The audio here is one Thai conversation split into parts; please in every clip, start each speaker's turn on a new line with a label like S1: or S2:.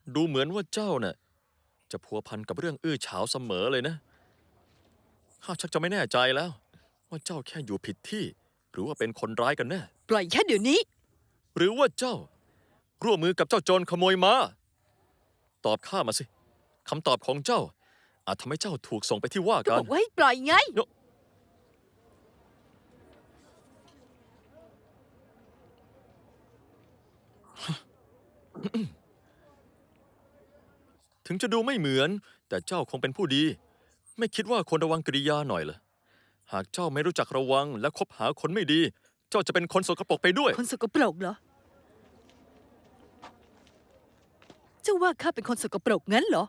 S1: ดูเหมือนว่าเจ้าน่ะจะพัวพันกับเรื่องอื้อฉาวเสมอเลยนะข้าชักจะไม่แน่ใจแล้วว่าเจ้าแค่อยู่ผิดที่ หรือว่าเป็นคนร้ายกันแน่
S2: ปล่อยแค่เดี๋ยวนี้
S1: หรือว่าเจ้า ร่วมมือกับเจ้าโจรขโมยม้าตอบข้ามาสิคำตอบของเจ้า อาจทำให้เจ้าถูกส่งไปที่ว่า
S2: ก็
S1: กา
S2: บ
S1: ร
S2: อกว่าให้ปล่อยไง
S1: ถึงจะดูไม่เหมือน แต่เจ้าคงเป็นผู้ดี ไม่คิดว่าควรระวังกริยาหน่อยเหรอหากเจ้าไม่รู้จักระวังและคบหาคนไม่ดี เจ้าจะเป็นคนสกปรกไปด้วย
S2: คนสกปรกเหรอ เจ้าว่าข้าเป็นคนสกปรกงั้นเหรอ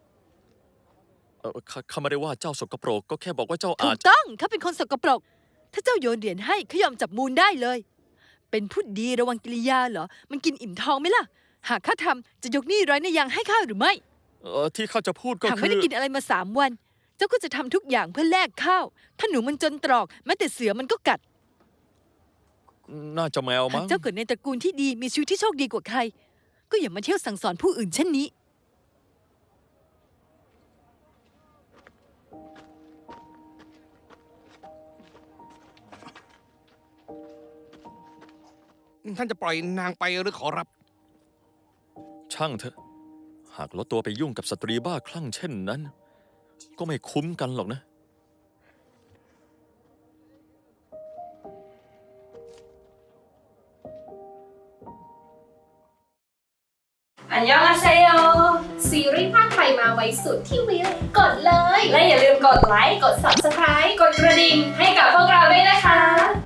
S1: ข้าไม่ได้ว่าเจ้าสกปรกก็แค่บอกว่าเจ้า
S2: ถู
S1: อาจ
S2: กต้องข้าเป็นคนสกปรก ถ้าเจ้าโยนเหรียญให้เขายอมจับมูลได้เลย เป็นผู้ดีระวังกิริยาเหรอ มันกินอิ่มท้องไหมล่ะ หากข้าทำจะยกหนี้ร้อยในยังให้ข้าหรือไม่
S1: ที่ข้าจะพูดก็
S2: หาก
S1: คื
S2: ไม่
S1: อ
S2: ได้กินอะไรมา3 วัน เจ้าก็จะทำทุกอย่างเพื่อแลกข้าว ถ้าหนูมันจนตรอกแม้แต่เสือมันก็กัด
S1: น่าจะแมว
S2: หาก
S1: มั้ง
S2: เจ้าเกิดในตระกูลที่ดีมีชีวิตที่โชคดีกว่าใคร ก็อย่ามาเที่ยวสั่งสอนผู้อื่นเช่นนี้
S3: ท่านจะปล่อยนางไปหรือขอรับ
S1: ช่างเถอะ หากลดตัวไปยุ่งกับสตรีบ้าคลั่งเช่นนั้น ก็ไม่คุ้มกันหรอกนะ
S4: อันยองอาเซโย
S5: ซีรีส์ภาคไทยมาไว้สุดที่วิวกดเลย
S4: และอย่าลืมกดไลค์ กด Subscribe กดกระดิ่งให้กับพวกเราด้วยนะคะ